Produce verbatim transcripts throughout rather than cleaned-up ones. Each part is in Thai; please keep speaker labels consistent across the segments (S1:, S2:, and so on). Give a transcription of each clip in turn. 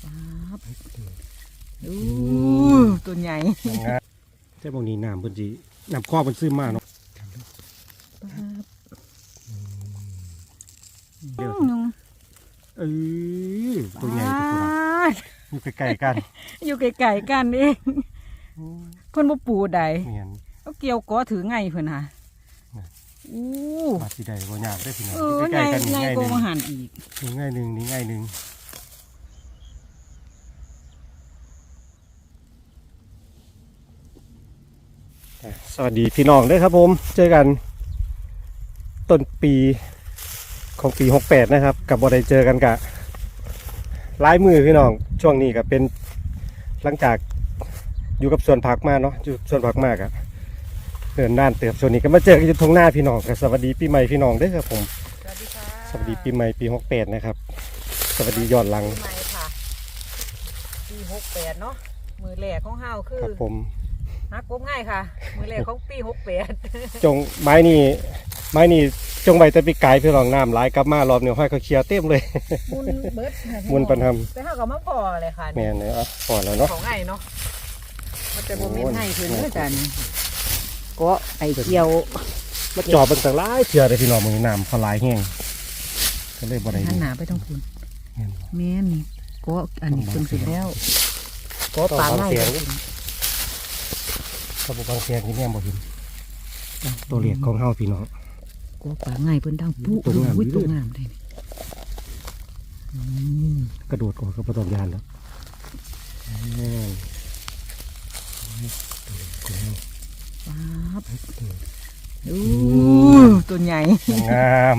S1: อู้ตัวใหญ่
S2: ใช่บางนี้น้ำเพิ่นสิน้ำข้อเพิ่นซื้อมาเนาะเดี๋ยวเออตัวใหญ่ตัวนั้นอยู่ใกล้ๆกัน
S1: อยู่ไกลๆกันเองเพิ่นบ่ปูใดเอาเกี่ยวก้อถือไงเพิ่นฮะอู้
S2: มาสิได้บ่ยากได้พี่น้อง
S1: ใกล้ๆกันนี่ง่ายนึงง่ายนึงอีก
S2: นี่ง่ายนึงนี่ง่ายนึงสวัสดีพี่น้องด้วยครับผมเจอกันต้นปีของปีหกแปดนะครับกับบ่ได้เจอกันกะหลายมือพี่น้องช่วงนี้ก็เป็นหลังจากอยู่กับสวนผักมาเนาะอยู่สวนผักมากอะเดินด้านเติบส่วนนี้ก็มาเจอกันที่ทุ่งนาพี่น้องกับสวัสดีปีใหม่พี่น้องด้วยครับผม
S1: สวัสดีค่ะ
S2: สวัสดีปีใหม่ปีหกแปดนะครับสวัสดีย้อนหลัง
S1: ปีใหม่ค่ะปีหกแปดเนาะมือแรกของเฮาคือ
S2: ครับผม
S1: ฮักกบง่ายค่ะมือแรกของปีหกแปด
S2: จงไม้นี่ไม้นี่จงใบตะปีกไก่พี่น้องน้ำไหลกลับมารอบเนี่ยห้อยเขาเคลียร์เต็มเลย
S1: มุนเบิร์ด
S2: มุนปันทำ
S1: ไปเฮากับมะพอเลยค่ะ
S2: แม่เนี่ยอ่ะพอแล้วเนาะ
S1: ของง่ายเนาะมันจะบ่มีให้เพิ่นเด้อจ้ะนี่ก็ไอเกี่ยว
S2: มาจอบเป็นต่างหลายเถื่อเลยพี่น้องมือน้ำเขาไหลแห้งก็เลยบ่ได้
S1: หันหน้าไปทางพุ่นแม่นนี่ก็อันนี้เพิ่นสิแล้ว
S2: ก็ปลาง่ายกระปุกบางเสียงที่แม่บ่เห็นตัวเล็กของเฮาพี่น้อง
S1: ก็ปลาง่ายเพิ่นดังปุ๊ตัวงามตัวงามได้
S2: กระโดดก่อนก็ประตองยานแล้ว
S1: ปั๊บอู้ตัวใหญ่
S2: งาม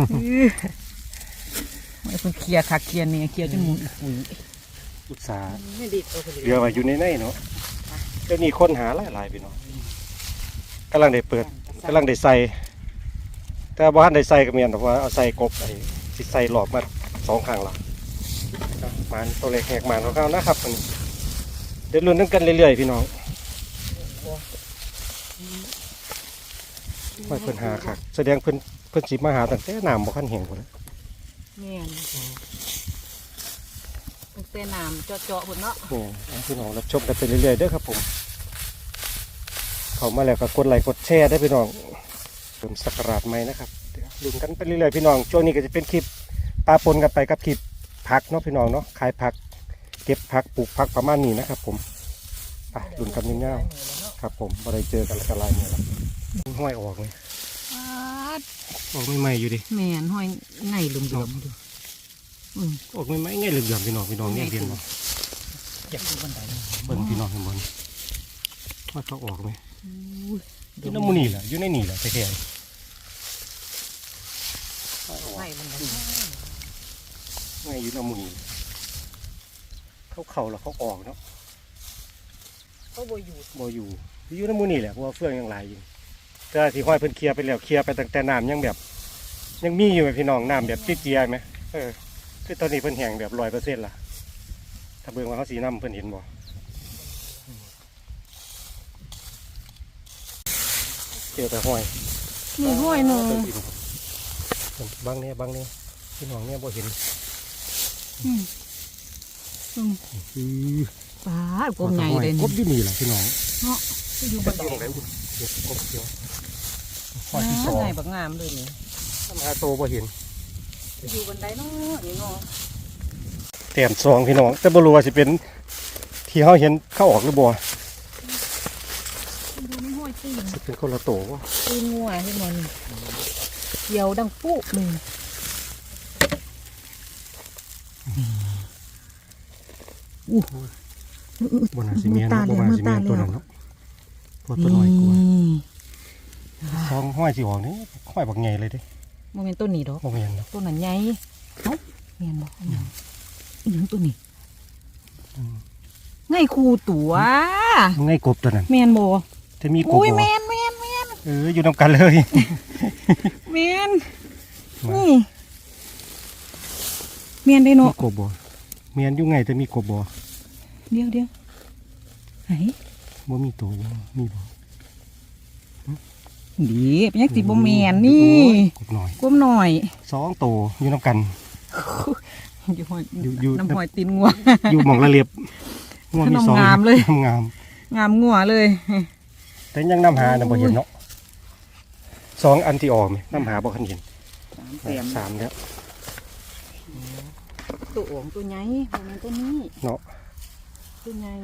S1: ไม่เพิ่งเคลียร์คักเคลียร์เนี่ยเคลียร์จนหมุนปุ๋ย
S2: อุตสาห์เรือไว้อยู่ในในเนาะเดี๋ยวนี้ค้นหาหลายๆพี่น้องกำลังได้เปิดกำลังได้ใส่แต่บ้านได้ใส่ก็เมียนแต่ว่าเอาใส่กบไอ้สิใส่หลอกมาสองครั้งละมันตัวเล็กแหกมันของเขานะครับเดี๋ยวลุ้นกันเรื่อยๆพี่น้องไม่เพิ่นหาค่ะแสดงเพิ่นเพิ่นสิมาหาตั้งแต่น้ำบ่คันแห้งพุ่น
S1: เนี่ยตั้งแต่น้ำเจาะๆพุ่นเนาะ
S2: นี่พี่น้องรับชมกันไปเรื่อยๆเด้อครับผมเข้ามาแล้วก็กดไลค์กดแชร์ได้พี่น้องเติมสักการะใหม่นะครับลุ้นกันไปเรื่อยๆพี่น้องช่วงนี้ก็จะเป็นคลิปปลาปนกันไปกับคลิปผักเนาะพี่น้องเนาะขายผักเก็บผักปลูกผักประมาณนี้นะครับผมไปลุ้นกันเงี้ยๆครับผมบ่ได้เจอกันละกันลายเนี่ยละห้อยออกเลยออกไม่ไหมอยู่ดิ
S1: แม่นห้อยไงเหลื่อมๆดู
S2: ออกไม่ไหมไงเหลื่อมๆพี่น้องพี่น้องเนี่ยเรียนเนาะ
S1: อยากดูบันได
S2: เบิ่งพี่น้องเห็นบนว่าเขาออกไหมอยู่ในมูนี่แหละอยู่ในนี่แหละแท้ๆ
S1: ไม่มัน
S2: ไม่อยู่ในมูนี่เขาเข่าแล้วเขาออกเนาะ
S1: เขาโบอยู่
S2: โบอยู่อยู่ในมูนี่แหละเพราะว่าเฟื่องยังไหลอยู่แต่ที่ห้อยเพิ่นเคลียร์ไปแล้วเคลียร์ไปตั้งแต่น้ำยังแบบยังมีอยู่ไหมพี่น้องน้ำแบบเจี๊ยบไหมเออคือตอนนี้เพิ่นแห้งแบบร้อยเปอร์เซ็นต์ละถ้าเบิ่งว่าเขาสีน้ำเพิ่นเห็นบ่เจอแต่ห้อย
S1: มีห้อยหนึ่ง
S2: บางเนี่ยบางเนี่ยพี่น้องเนี่ยบ่เห็น
S1: ปลากบใหญ่เลย
S2: กบที่นี่แหละพี่น้อง
S1: เนาะอยู่บนไหน
S2: กบเขียว
S1: ห้อยที่สองใหญ่แบบงามเลยนี่
S2: ทำหาโตบ่เห็น
S1: อยู่บนไหนเนาะนี่เนาะ
S2: แต้มสองพี่น้องแต่บ่รู้ว่าสิเป็นที่เขาเห็นเข้าออกหรือบ่
S1: ดูนี่ห้อยตีน
S2: เป็นคนละโตวะ
S1: ตีนงัวที่มันเกี่ยวดังปุ๊บเลย
S2: อู้บนหาซีเมนต์บนหาซีเมนต์ตัวนั้นเนาะตัวตัวน้อยกว่าสองห้อยสีหอกนี่ห้อยบักใหญ่เลยเด้
S1: โมเมนต์ต้นนี้ดอก
S2: โมเมนต์
S1: ต้นนั้นใหญ่เอ้าเมียนบอกอย่างต้นนี้ไงคูตัว
S2: ไงกบตัวนั้น
S1: เมียนบอ
S2: จะมีกบ
S1: อุ้ยเมียนเมียนเมียน
S2: เอออยู่นำกันเลย
S1: เมียนนี่เมียนได้เนาะ
S2: กบบ่เมียนอยู่ไงจะมีกบบ่
S1: เดี๋ยวเดี๋ยวไหน
S2: บ่มีตัวมีบ่
S1: ดีเป็นยังติบ่เมียนนี่
S2: กบหน่อย
S1: กบหน่อย
S2: สองตัวอยู่นำกัน
S1: อยู่ห้อย
S2: อยู่อยู่
S1: น้ำหอยตีนงัว
S2: อยู่หม่องละเลียบงัวมีสอง
S1: งามเลย
S2: งาม
S1: งามงัวเลย
S2: แต่ยังน้ำหาน่ะบ่เห็นเนาะสองอันที่ออกไหมน้ำหาบ่คันเห็น
S1: สามเต็ม
S2: สามแล้ว
S1: ตัวโอ่งตัวใหญ่มันตัวนี้
S2: เนาะ
S1: ตัวใหญ่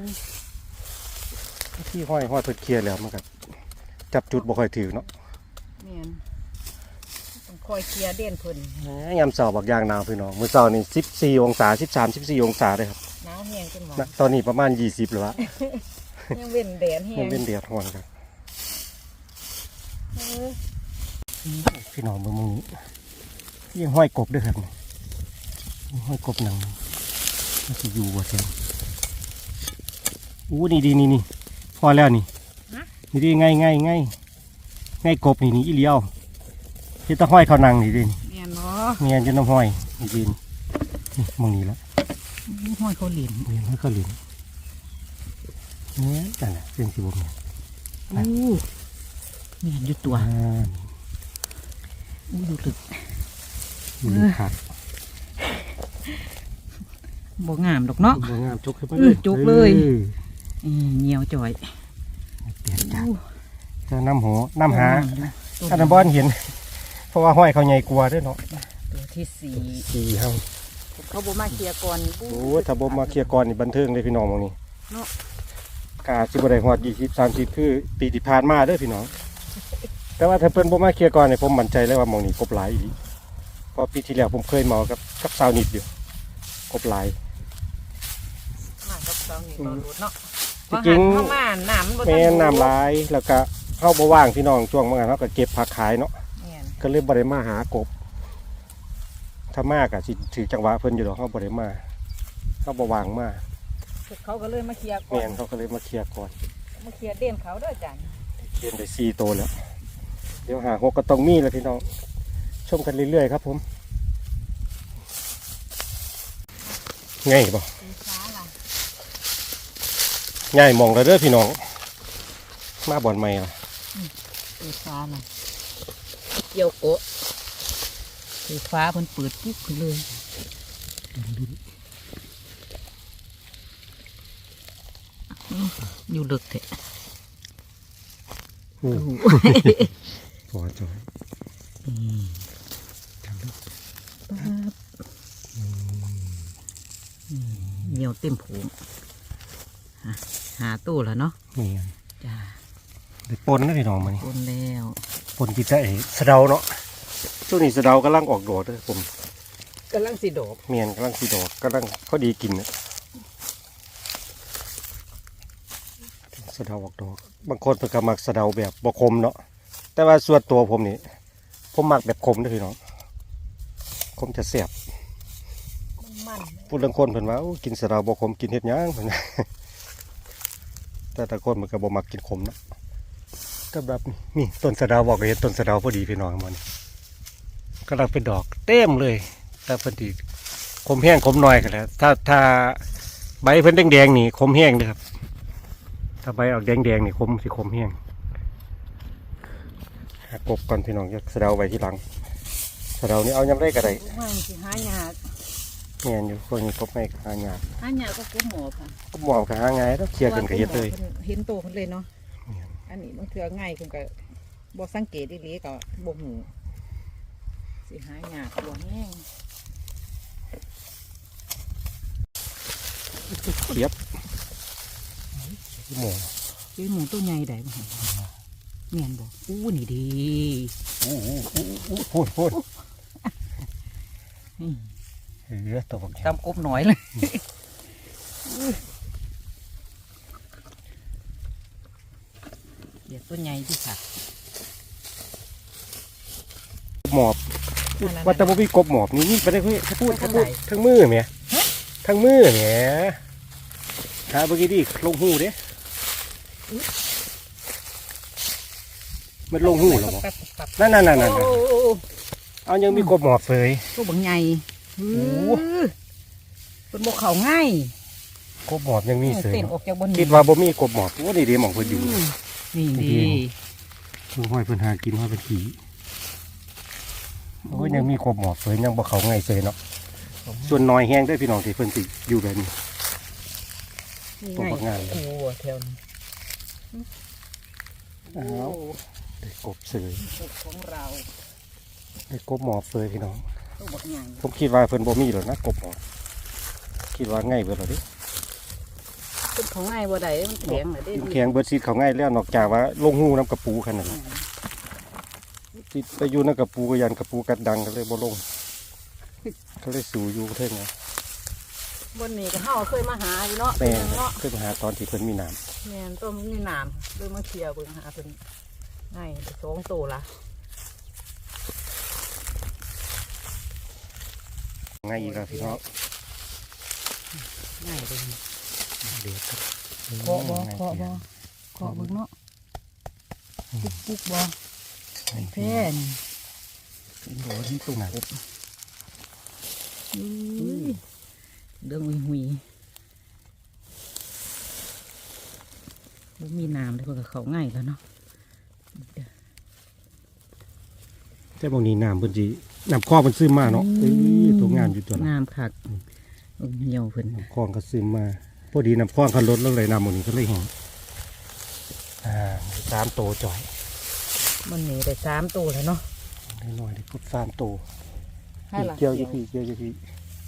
S2: ที่ห้อยห้อยเพิ่นเคลียร์แล้วมันก็จับจุดบ่ค่อยถือเนาะ
S1: แม่นต้องคอยเคลียร์เด่นเพิ่น
S2: แหมยามเช้าบักอย่างหนาวพี่น้องมื้อเช้านี่สิบสี่องศาสิบสาม สิบสี่องศาเลยครับ
S1: หนาวแห้งจังหวะ
S2: ณตอนนี้ประมาณยี่สิบแล้ววะ
S1: ยังเว้นแดดแห้
S2: มัน
S1: ง
S2: เป็นเดือดร้อนครับ
S1: เออ
S2: พี่น้องเบิ่งมึงนี้ยังห้อยกบด้วยครับนี่ห้อยกบหนังมันสิอยู่บ่แท้อู้นี่ดีนี่นี่พอแล้วนี่นี่ดีง่ายง่ายง่ายง่ายกบนี่นี่อีเลียวที่ตะห้อยเขานังนี่ดิ
S1: แม่นเนาะ
S2: เมียนจนน้ำห้อยนี่ดินนี่มองนี่แล้ว
S1: ห้อยเขาเหรียญ
S2: นี่ห้อยเขาหลินเนี่ยนั่นแหละเป็นสิบเนี่ย
S1: อู้แม่นอยู่ตัว
S2: อ่า
S1: อู้อยู่ลึก
S2: อยู่ในขาด
S1: บ่งามดอกเนาะ
S2: บ่งามจุกขึ้นมา
S1: เออจุกเลย
S2: ออ
S1: อืมเหนียวจ่อย
S2: เปลี่ยนจาก
S1: อู้
S2: จะน้ำหัวน้ำหา
S1: ตัว
S2: ถ้าน้ำบอนเห็น เพราะว่าห้อยเขาใหญ่กว่าด้วยเนาะ
S1: ตัวที่สี่
S2: สี่เฮา
S1: เขาบ่มาเคลียร์ก่อน
S2: โอ้ยถ้าบ่มาเคลียร์ก่อนนี่บันเทิงเลยพี่น้องหมองนี้
S1: เนาะ
S2: กาสิบ่ได้ฮอดยี่สิบ สามสิบคือปีที่ผ่านมาเด้อพี่น้อง แต่ว่าถ้าเพิ่นบ่มาเคลียร์ก่อนนี่ผมมั่นใจเลยว่าหมองนี้กบหลายอีหลีเพราะปีที่แล้วผมเคยเมากับกับสาวนิดอยู่กบหลาย
S1: มากับเรานี่เราหลุดเนาะ
S2: ที่จริง
S1: เข้ามาน้ำบ่ทั
S2: แม่นน้ำหลายแล้วก็เฮาบ่ว่างพี่น้องช่วงมื้อนั้นเฮาก็เก็บผักขายเนาะ
S1: แม่น
S2: ก็เลยบ่ได้มาหากบ ถ้ามากอะสิถือจังหวะเพิ่นอยู่ดอกเฮาบ่ได้มาเฮาบ่ว่างมา
S1: เขาก็เลยมาเคลียร์ก่อ
S2: แม่
S1: น
S2: นเขาก็เลยมาเคลียร์ก่อน
S1: มาเคลียร์เด่นเขาเด้อจัน
S2: เรียนได้สี่ตัวแล้ว เดี๋ยวหาหกก็ต้องมีแล้วพี่น้อง ชมกันเรื่อยๆครับผมง่ายบ่
S1: สีฟ้าล่ะ
S2: ง่ายมองแล้วเด้อพี่น้อง มาบ่อนใหม่ล่ะ
S1: สีฟ้าล่ะเกี่ยวโกะสีฟ้าเพิ่นเปิดปุ๊บขึ้นเลยอยู่ลึกแท้
S2: โอ้พอจอย
S1: อืมปั๊บอืมเหนียวเต็มผงหาหาตู้แล้วเนาะ
S2: นี่น
S1: จ้า
S2: ได้ปนนะพี่น้องมานี่
S1: คนแล้ว
S2: ปนกินได้สะเดาเนาะช่วงนี้สะเดากำลังออกดอกเด้อผม
S1: กำลังสีดอก
S2: เมียนกำลังสีดอกกำลังพอดีกินเนี่ยสะเดาออกดอกบางคนเพิ่นก็มักสะเดาแบบบ่คมเนาะแต่ว่าส่วนตัวผมนี่ผมมักแบบคมเด้อพี่น้องคมจะแซ่บ
S1: มัน
S2: พูดเรื่องคนเพิ่นว่าโอ้กินสะเดาบ่คมกินเฮ็ดหยังเพิ่น แต่แต่คนมันก็บ่มักกินขมเนาะก็แบบนี้นี่ต้นสะเดาบอกก็เห็นต้นสะเดาพอดีพี่น้องมันกำลังเป็นดอกเต็มเลย แต่เพิ่นสิคมแห้งคมน้อยก็แล้วถ้าถ้าใบเพิ่นแดงๆนี่คมแห้งเด้อครับถ้าใบออกแดงๆนี่คมสิคมแห้งหากบก่อนพี่น้องจะสะเดาไว้ที่หลังสะเดานี่เอายำได้ก็ได้
S1: ไม่สิหายาก
S2: แม่นอยู่พวกนี้กบไม่หายาก
S1: หายากก็กุ้มหมอค่ะ
S2: กบหมอบก็หาง่ายแล้วเคลียร์กันก็เฮ็ดเลย
S1: เห็นโตคนเลยเนาะอันนี้บางเทื่อง่ายคุณก็บ่สังเกตดีๆก็บ่หูสิหายากบ่แห้ง
S2: เรียบหมู
S1: เจ้หมูตัวใหญ่ได้บ่หั่นแม่นบ่อู้นี่ดี
S2: อู้อู้อู้อู้พูดพูด
S1: นี่
S2: เออตัวบัก
S1: ตำกบหน่อยเลยเดี๋ยวตัวใหญ่ที่ค่ะ
S2: หมอบว่าแต่บ่มีกบหมอบนี่นี่ไปได้เพื่อพูดพูดทั้งมือแหมทั้งมือแหมหาเมื่อกี้ดิลงหูเด้มันลงหูแล้วบ่นั่นนั่นนั่นนั่นเอายังมีกบหมอบเลย
S1: ตัวบางใหญ่
S2: โอ้
S1: เป็นบกเขาง่าย
S2: กบหมอบยังมีเสย
S1: เต้นออกจากบน
S2: คิดว่าบ่มีกบหมอบว่านี่เดีหมองเพิ่นอยู่
S1: นี่ดี
S2: คือห้อยเพิ่นหากินห้อยเป็นขี่โอ้ยยังมีกบหมอบเสยยังบ่เขาง่ายเสยเนาะ
S1: บ
S2: ส่วนน้อยแห้งได้อพี่น้องที่เพิ่นสิอยู่แบบนี้
S1: นี่
S2: ตัว
S1: ไง
S2: บักงาม
S1: โอ้โหแถวนี้
S2: อ้าวได้กบเสย
S1: กบของเรา
S2: ได้กบหมอบเสยพี่น้อง
S1: ตัวบักใหญ่
S2: ผมคิดว่าเพิ่นบ่มีหรอกนะกบหมอบคิดว่าง่ายเบิดแล้วเดิ
S1: เป็นของไงบ่ได้มันแข็งน่ะเด้
S2: แข็งเบิดซีดเขาง่ายแล้วนอกจากว่าลงหูน้ำกระปูขนาดนั้นติดไปอยู่น้ำกระปูก็ยันกระปูกัดดังก็เลยบ่ลงก็เลยสู่อยู่เท่านั้น
S1: บนนี้ก็เฮาเคยมาหาอยู่เนาะ
S2: แม่
S1: เนาะ
S2: ขึ้นมาหาตอนที่เพิ่นมีน้
S1: แม่นต้มมีน้ำเลยมาเคลียร์เบิ่งหาเพิ่นง่ายสองตัวละ
S2: ำง่ายอีกแล้วพี่น้อง
S1: ง่ายเลย
S2: เด็ดครับ
S1: เคาะบ่เคาะบ่เคาะเบิ่งเนาะปุ๊กปุ๊กบ่แพ้นี่
S2: โอ้ยตุ้งหนา
S1: อุ้ยเรื่องหุยหุยบ่มีน้ำเลยเพิ่นก็เข้าง่ายแล้วเนาะ
S2: แต่บางนี้น้ำเพิ่นสิน้ำคลองเพิ่นซึมมาเนาะเอ้ยตัวงามอยู่ตัวนั้น
S1: น้ำคักเบิ่งเหี่ยวเพิ่น
S2: น้ำคลองก็ซึมมาพอดีน้ำคลองเขาลดลงเลยน้ำหมดนี้ก็เลยแห้งอ่าสามโตจ่อย
S1: มันนี่ได้สามตัวแล้วเนาะ
S2: น้อยๆได้กบสามโต
S1: ให้ล่ะ
S2: เกี่ยวอยู่พี่เกี่ยวอยู่พี่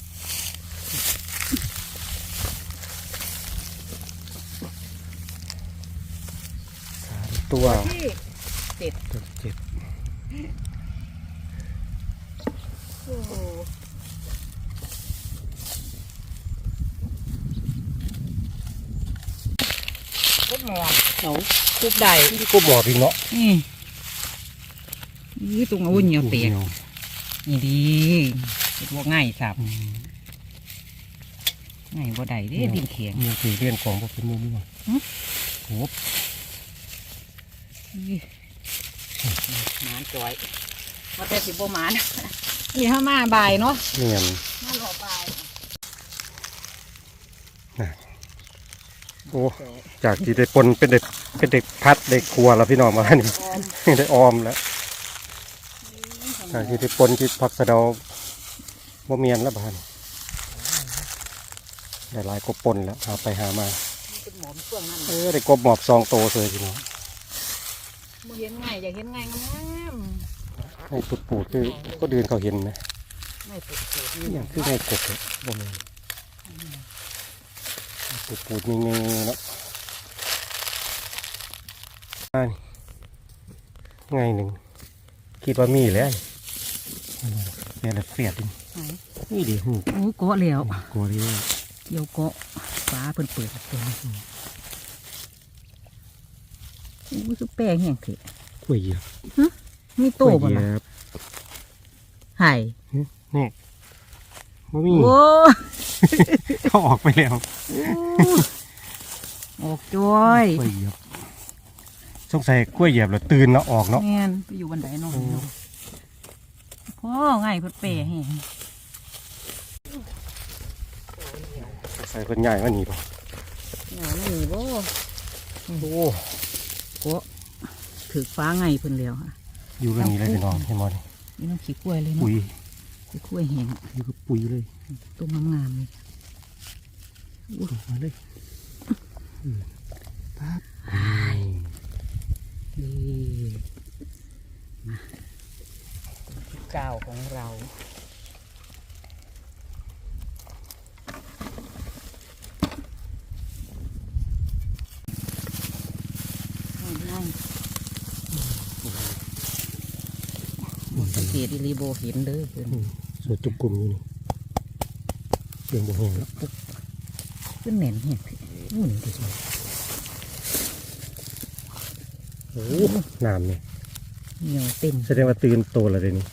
S2: สามตัว
S1: ที่เจ็ด
S2: ตัวเจ็ด
S1: โอ้โหกบหมอบเอากบได้
S2: นี่กบหมอพี่เนาะ
S1: นี่นี่ตรงเอาเหนียวเตียกนี่ดีบ่ง่ายสับ
S2: อืม
S1: ง่ายบ่ได้เด้ดินแข็ง
S2: เงี้ยคือเรียนของพวกเป็นมุมนี่มั้ง
S1: หึ
S2: โห
S1: นี่หมานจอยว่าแต่สิบ่หมาน นี่ถ้ามาบ่ายเนาะ
S2: เนียน
S1: มารอบ่าย
S2: โอ้จากที่ได้ปนเป็นเด็กเป็นเด็กพัดเด็กครัวแล้วพี่น้องมานี่
S1: ออม
S2: ได้ออมแล้วจากที่ได้ปนที่ผักสะเดาบ่เมียนแล้วบ้านได้หลายกบปนแล้วหาไปหามา
S1: เป็นหมอมเครื่องนั่น
S2: เออได้กบหมอบซองโตเลยพี่น้อง
S1: บ่เห็นง่ายอยากเห็นง่ายงาม
S2: ให้ปุดปูดคือก็เดินเขาเห็นไหม
S1: ๆไม่ปุดปุด
S2: อย่างคือให้กบเลยบ่มีปุดปูดมีเงยเนาะอ่านี่ไงหนึ่งคิดว่ามีแล้วแม่ละเฟียดดินี่ดิหู
S1: โอ้เกาะแล้ว
S2: กลัวเลย
S1: เกี่ยวเกาะฟ้าเพิ่นเปิดตัวนี้โอ้ยคือแป้งแห้งเถอะ
S2: กล้วยเหยียบ
S1: มีโต
S2: กล้วย
S1: บ่
S2: เหยี
S1: ล่ะ
S2: ยบ
S1: ไห่
S2: นี่บ่มี
S1: โอ้
S2: เขาออกไปแล้ว
S1: ออกจ้อย
S2: กล้วยเหยียบสงสัยกล้วยเหยียบแล้วตื่นแล้วออกเนาะ
S1: แม่นไปอยู่บันไดเนาะพ่อง่ายเพิ่นแป้แห้ง
S2: สงสัยเพิ่นใหญ่ว่านี่ป่ะ
S1: หนาไม่มีบ่
S2: โอ้
S1: เกาะถือฟ้าง่ายเพิ่นแล้วค่ะ
S2: อยู่กันนี้เลยพี่น้องเห็นบ่นี่
S1: นี่น้องขี้กล้วยเลยเนาะ
S2: ปุ๋ย
S1: ขี้กล้วยแห้ง
S2: อยู่กับปุ๋ยเลย
S1: ต้มงามๆเลย
S2: อุ้ยมาเลยอืมปั๊บ
S1: นี่มาเจ้าของเราง่ายๆสังเกตอีรีโบเห็นเด้อเพิ่น
S2: สวยจุกกลุ่มอยู่นี่เสียงบ่แห้งแล้ว
S1: ขึ้นแหน่นแห้งนู่นดิ
S2: โอ้น้ำเนี่ย
S1: เหนียวเต็ม
S2: แสดงว่าตื่นโตแล้วเดี๋ยวนี้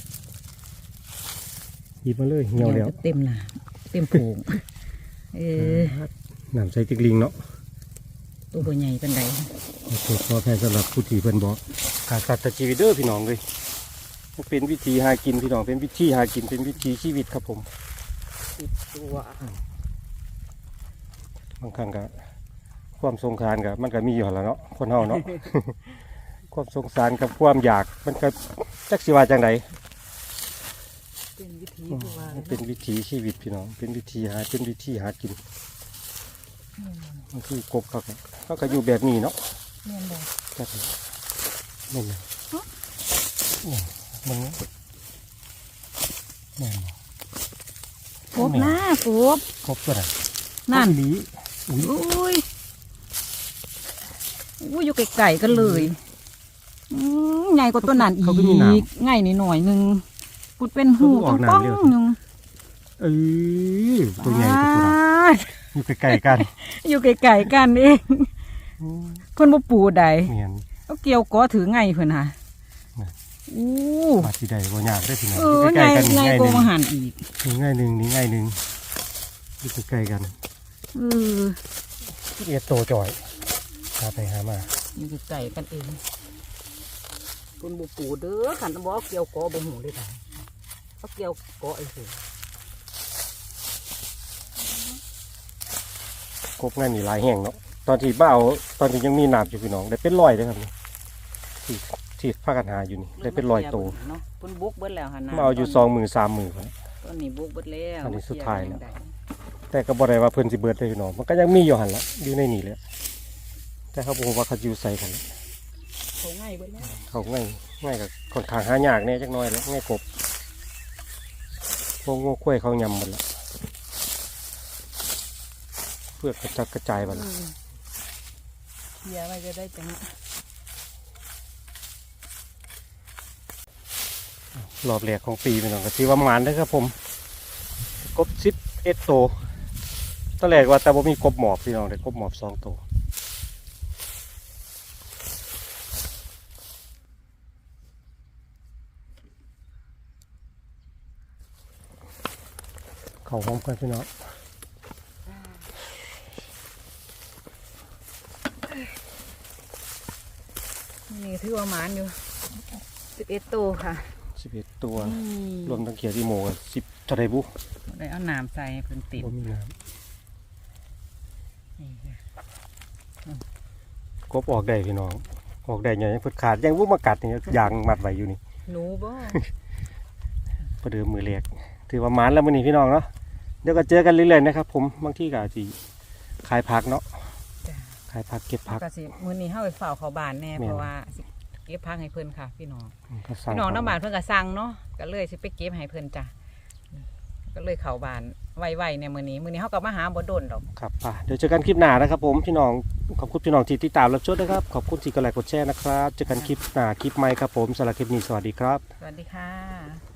S2: หยิบมาเลยเหี่ยวแล้ว
S1: เต็มหนาเต็มโผงเออ
S2: น้ำใส่จิกลิงเนาะ
S1: ตัวบ่ใหญ่เป็นได
S2: ขอโทษขอแพ้สำหรับผู้ที่เพิ่นบอกขาดสัตว์ชีวิตเด้อพี่น้องเลยมันเป็นวิธีหากินพี่น้องเป็นวิธีหากินเป็นวิธีชีวิตครับผม
S1: ติดตัว
S2: บางครั้งก็ความสงสารกับมันก็มีอยู่แล้วเนาะคนเฮาเนาะ ความสงสารกับความอยากมันก็จักสิว่าจังได
S1: เป็นวิธี
S2: อืม
S1: ผู้ว่า
S2: มันเป็นวิถีชีวิตพี่น้องเป็นวิธีหาเป็นวิธีหากินบางทีกบเขาก็เขาก็อยู่แบบนี้เนาะ
S1: เนียนบ่
S2: แบบนี้นี่นะนี่มึงนี่
S1: กบหน้ากบ
S2: กบตัวไหน
S1: นั่น
S2: หลีอุ้ย
S1: อุ้ยอุ้ยอยู่ไกลๆกันเลยอืมใหญ่กว่าตัวนั้นอีกง่ายนิดหน่อยหนึงพูดเป็นหูต้องป้องหนึง
S2: เอ้ยตัวใหญ่กว่าตัวนั้นอยู่ใกล้ๆกัน
S1: อยู่ไกลๆกันเอง เพิ่นบ่ปูใด
S2: เมียน
S1: เอาเกี่ยวก้อถือไงเพิ่นฮะ
S2: น่ะ
S1: อู้
S2: มาที่ใดบ่ยากได้อพี่น้อง
S1: เอ
S2: อยู่
S1: อ
S2: ใก
S1: ไง
S2: ล้ๆกันนี่
S1: ไง
S2: ง่าย
S1: โก
S2: หนึ่ง
S1: มาหันอีก
S2: นี่ง่ายหนึ่งนี่ง่ายหนึ่งอยู่ใกล้ๆกัน
S1: เออ
S2: เอียดโตจ่อยหาไปหามา
S1: อยู่ไกลๆกันเองเพิ่นบ่ปูเด้อคันบ่เอาเกี่ยวก้อบ่หูเลยได้เอาเกี่ยวก้อไอ้สิ
S2: กบง่ายนี่หลายแห่งเนาะตอนที่บ้าเอาตอนที่ยังมีน้ำอยู่พี่น้องได้เป็นร้อยเลยครับนี่ที่ที่พากันหาอยู่นี่ได้เป็นร้อยโต
S1: เนาะเพิ่นบุกเบิดแล้วหั่นน่ะ
S2: มาเอาอยู่สองหมื่นสามหมื่น
S1: ต้นนี้บุกเบิดแล้ว
S2: อันนี้สุดท้ายแล้ว แต่ก็บ่ได้ว่าเพิ่นสิเบิดเลยพี่น้องมันก็ยังมีอยู่หั่นละอยู่ในนี่แหละแต่เขาบอกว่าเขาอยู่ใส่กัน
S1: เขาง่ายเบิดแล้ว
S2: เขาง่ายง่ายกับค่อนข้างหายากแน่จักหน่อยแล้วง่ายกบพวกงูข้วยเขายำหมดละเพื่อกระจัดกระจายหมดละ
S1: เคลียร์ไว้จะได้จัง
S2: รอบแรกของปีพี่น้องก็ถือว่าหมานนะครับผมกบสิบเอ็ดโตวตอนแรกว่าแต่ว่ามีกบหมอบพี่น้องได้กบหมอบสองตัวเขาพร้อมกันพี่น้อง
S1: นี่ถือว่าหมานอยู่สิบเอ็ดตัวค่ะ
S2: สิบเอ็ดตัวรวมทั้งเขียดที่โมกันสิบเท่าไรบุ
S1: ได้เอาน้ำใส่ให้เพิ่นติด
S2: บ่มีน้
S1: นี่ค่ะ
S2: ำกบออกได้พี่น้องออกได้ยังยังเพิ่นขาดยังวุ้มากัดนี่ยางมัดไว้อยู่นี่
S1: หนูบ่
S2: ประเดิมมือเล็กถือว่าหมานแล้วมื้อนี้พี่น้องเนาะเดี๋ยวก็เจอกันเรื่อยๆนะครับผมบางที่ก็อาจสิขายผักเนาะ
S1: จ้ะ
S2: ขายผักเก็บผัก
S1: ก็สิมื้อนี้เฮาไปเฝ้าเขาบ้านแน่
S2: แม่น
S1: เพราะว่าสิเก็บพักให้เพิ่นค่ะ พี่น้อง
S2: ก็สั่ง
S1: พี่น้องน้ำบ้านเพิ่นก็สั่งเนาะก็เลยสิไปเก็บให้เพิ่นจ้ะก็เลยเข้าบ้านไวๆในมื้อนี้มื้อนี้เฮาก็มาหาบ่โดนดอก
S2: ครับป่ะเดี๋ยวเจอกันคลิปหน้านะครับผมพี่น้องขอบคุณพี่น้องที่ติดตามรับชมนะครับขอบคุณที่กดไลค์กดแชร์นะครับเจอกันคลิปหน้าคลิปใหม่ครับผมสำหรับคลิปนี้สวัสดีครับ
S1: สวัสดีค่ะ